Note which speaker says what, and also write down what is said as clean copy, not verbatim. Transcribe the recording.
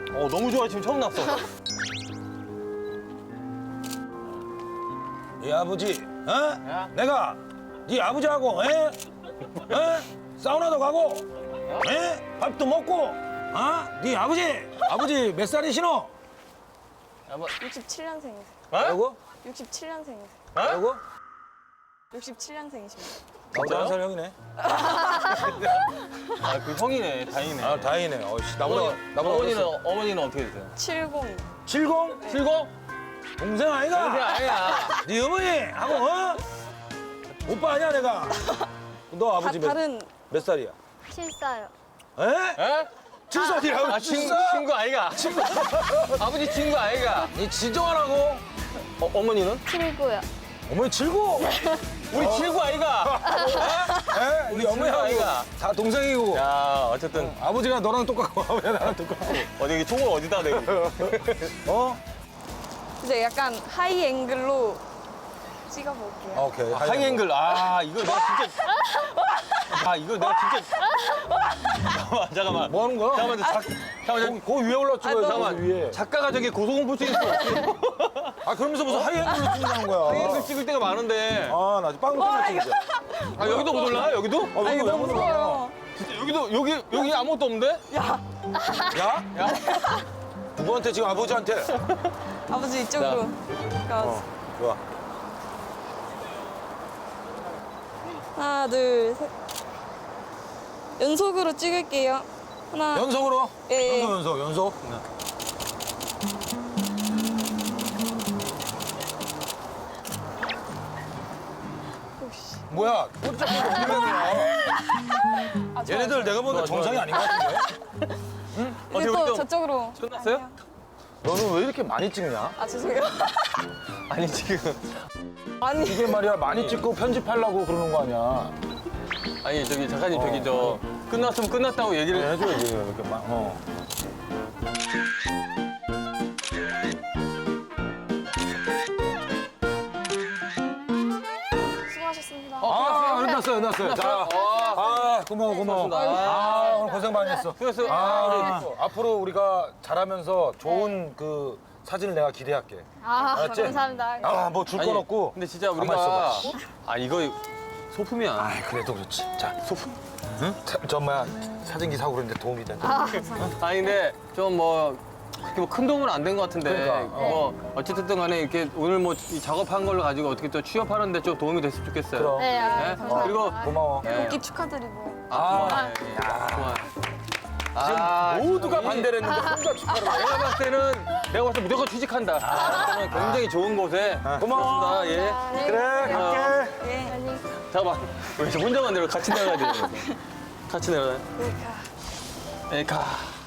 Speaker 1: 너무 좋아. 지금 처음 났어.
Speaker 2: 네 아버지, 어? 내가 네 아버지하고, 사우나도 가고, 밥도 먹고, 네 아버지 몇 살이시노?
Speaker 3: 67년생이세요.
Speaker 2: 뭐라고?
Speaker 3: 67년생이세요.
Speaker 2: 뭐라고?
Speaker 3: 67년생이십니다.
Speaker 2: 나보다 한 살 형이네.
Speaker 1: 그 형이네. 다행이네.
Speaker 2: 아, 다행이네. 나보다
Speaker 1: 어머니는 어떻게 되세요?
Speaker 3: 70.
Speaker 2: 70?
Speaker 1: 70?
Speaker 2: 동생 아이가?
Speaker 1: 동생 아니야.
Speaker 2: 네 어머니하고, 오빠 아니야, 내가? 너 아버지
Speaker 3: 다른
Speaker 2: 몇 살이야?
Speaker 4: 7살.
Speaker 2: 에?
Speaker 1: 에?
Speaker 2: 7살이라고?
Speaker 1: 친구 아이가. 아버지 친구 아이가.
Speaker 2: 니 진정하라고?
Speaker 1: 어머니는?
Speaker 4: 7구요.
Speaker 2: 어머니 79?
Speaker 1: 우리 친구 아이가.
Speaker 2: 에? 우리 어머니하고
Speaker 1: 아이가.
Speaker 2: 다 동생이고.
Speaker 1: 야, 어쨌든
Speaker 2: 아버지가 너랑 똑같고 아버지가 나랑 똑같고.
Speaker 1: 어디 총을 어디다 대고.
Speaker 2: 어?
Speaker 3: 이제 약간 하이 앵글로 찍어볼게요.
Speaker 2: 오케이.
Speaker 1: 하이앵글. 이거 내가 진짜. 이거 내가 진짜. 잠깐만.
Speaker 2: 뭐 하는 거야?
Speaker 1: 잠깐만.
Speaker 2: 그 위에 올라찍어요.
Speaker 1: 잠깐만.
Speaker 2: 위에.
Speaker 1: 작가가 저기 고소공포증 있어.
Speaker 2: 그러면서 무슨 하이앵글로 찍는 거야.
Speaker 1: 하이앵글 찍을 때가 많은데.
Speaker 2: 나 빵 터졌지.
Speaker 1: 여기도 못 올라가? 여기도?
Speaker 3: 아, 이거 너무 무서워요.
Speaker 1: 진짜 여기도 여기 아무것도 없는데?
Speaker 2: 야? 누구한테 지금 아버지한테?
Speaker 3: 아버지 이쪽으로.
Speaker 2: 좋아.
Speaker 3: 하나, 둘, 셋. 연속으로 찍을게요. 하나.
Speaker 2: 연속으로?
Speaker 3: 예.
Speaker 2: 연속. 뭐야? 꼬리 잡고 엉덩이야. 얘네들 내가 보니까 정상이 아닌 것 같은데?
Speaker 3: 이제 또 저쪽으로.
Speaker 1: 끝났어요?
Speaker 3: 아니요.
Speaker 2: 너는 왜 이렇게 많이 찍냐?
Speaker 3: 죄송해요.
Speaker 1: 아니 지금.
Speaker 3: 아니.
Speaker 2: 이게 말이야 많이 찍고 편집하려고 그러는 거 아니야?
Speaker 1: 아니 저기 작가님 저기 끝났으면 끝났다고 얘기를
Speaker 2: 해줘야지 이렇게 막.
Speaker 3: 수고하셨습니다.
Speaker 2: 끝났어요. 자, 고마워.
Speaker 1: 고맙습니다.
Speaker 2: 오늘 고생 많이 했어.
Speaker 1: 수고했어요.
Speaker 2: 앞으로 우리가 잘하면서 좋은 그 사진을 내가 기대할게. 알았지?
Speaker 4: 감사합니다.
Speaker 2: 뭐 줄 건 없고.
Speaker 1: 근데 진짜
Speaker 2: 가만히
Speaker 1: 우리가
Speaker 2: 있어봐.
Speaker 1: 이거 소품이야.
Speaker 2: 그래도 그렇지. 자, 소품. 응? 사진기 사고 그러는데 도움이 돼.
Speaker 1: 아니 근데 좀 그렇게 큰 도움은 안 된 것 같은데
Speaker 2: 그러니까,
Speaker 1: 어쨌든 간에 이렇게 오늘 이 작업한 걸로 가지고 어떻게 또 취업하는데 좀 도움이 됐으면 좋겠어요.
Speaker 2: 그럼.
Speaker 4: 네,
Speaker 1: 네?
Speaker 4: 감사합니다.
Speaker 1: 그리고
Speaker 2: 고마워.
Speaker 3: 복귀 축하드리고.
Speaker 1: 고마워요. 고마워요.
Speaker 2: 모두가 반대를 했는데 혼자 축하를 해.
Speaker 1: 내가 봤을 때는 무조건 취직한다. 그러면 굉장히 좋은 곳에
Speaker 2: 고마워.
Speaker 1: 고맙습니다. 예.
Speaker 2: 그래, 갈게.
Speaker 3: 예.
Speaker 1: 잠깐만. 왜 혼자만 내려 같이 내려가야 돼. 같이 내려가야 돼.
Speaker 3: 그러니까.
Speaker 1: 가.